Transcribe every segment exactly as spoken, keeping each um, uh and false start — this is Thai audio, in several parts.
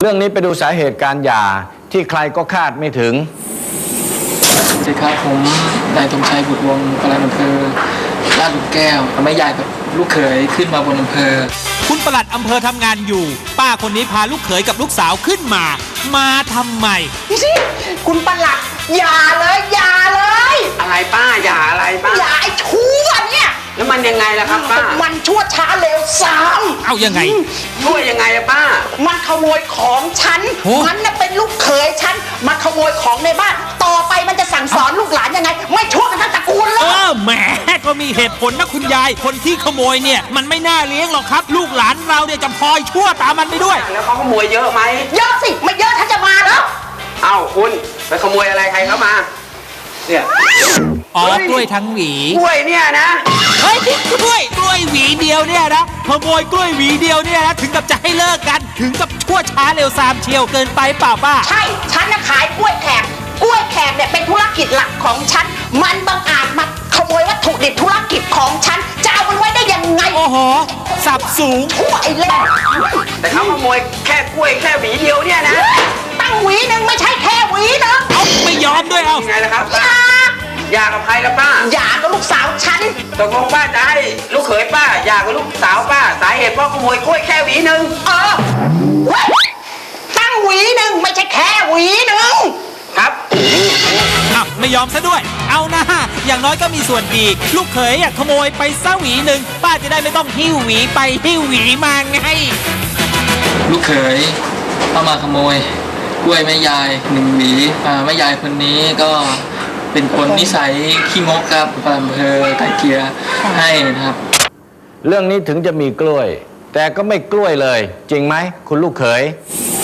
เรื่องนี้ไปดูสาเหตุการหย่าที่ใครก็คาดไม่ถึงสวัสดีครับผมนายธงชัยบุตรวงศ์ปลัดอำเภอลาดหลุมแก้วทำให้ยายกับลูกเขยขึ้นมาบนอำเภอคุณปลัดอำเภอทำงานอยู่ป้าคนนี้พาลูกเขยกับลูกสาวขึ้นมามาทำไมพี่สิคุณปลัดอย่าเลยอย่าเลยอะไรป้าอย่าอะไรป้าอย่าไอ้ชั่วเนี่ยแล้วมันยังไงล่ะครับป้ามันชั่วช้าเร็วซ้ำเอายังไงชั่วยังไงอะป้ามันขโมยของฉันมันน่ะเป็นลูกเขยฉันมันขโมยของในบ้านต่อไปมันจะสั่งสอนลูกหลานยังไงไม่ชั่วกันทั้งตระกูลเลยเออแหมก็มีเหตุผลนะคุณยายคนที่ขโมยเนี่ยมันไม่น่าเลี้ยงหรอกครับลูกหลานเราเนี่ยจะพลอยชั่วตามมันไปด้วยแล้วเขาขโมยเยอะไหมเยอะสิไม่เยอะถ้าจะมาแล้วเอ้าคุณไปขโมยอะไรใครเข้ามาเนี่ยอ๋อกล้วยทั้งหวีกล้วยเนี่ยนะเฮ้ยกล้วยกล้วยหวีเดียวเนี่ยนะขโมยกล้วยหวีเดียวเนี่ยนะถึงกับจะให้เลิกกันถึงกับชั่วช้าเร็วซามเชียวเกินไปเปล่าป้าใช่ฉันน่ะขายกล้วยแขกกล้วยแขกเนี่ยเป็นธุรกิจหลักของฉันมันบังอาจมาขโมยวัตถุดิบธุรกิจของฉันจะเอามันไว้ได้ยังไงโอ้โหสับสูงชั่วไอ้เล่นแต่เขาขโมยแค่กล้วยแค่หวีเดียวเนี่ยนะตั้งหวีหนึ่งไม่ใช่แค่หวีนึงเอาไม่ยอมด้วยเอาไงล่ะครับอย่าอย่ากับใครละป้าอย่ากับลูกสาวฉันตกลงป้าจะให้ลูกเขยป้าอย่ากับลูกสาวป้าสาเหตุเพราะขโมยกล้วยแค่หวีหนึ่งเออตั้งหวีหนึ่งไม่ใช่แค่หวีหนึ่งครับอ้าวไม่ยอมซะด้วยเอานะอย่างน้อยก็มีส่วนดีลูกเขยขโมยไปซะหวีหนึ่งป้าจะได้ไม่ต้องหิ้วหวีไปหิ้วหวีมาไงลูกเขยเข้ามาขโมยกล้วยแม่ยายหนึ่งหวีแม่ยายคนนี้ก็เป็นคนนิสัยขี้งกครับปลัดอำเภอไก่เกลียให้นะครับเรื่องนี้ถึงจะมีกล้วยแต่ก็ไม่กล้วยเลยจริงไหมคุณลูกเขย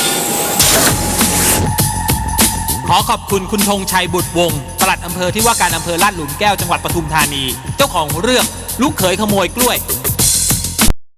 ขอขอบคุณคุณธงชัยบุตรวงศ์ปลัดอำเภอที่ว่าการอำเภอลาดหลุมแก้วจังหวัดปทุมธานีเจ้าของเรื่องลูกเขยขโมยกล้วย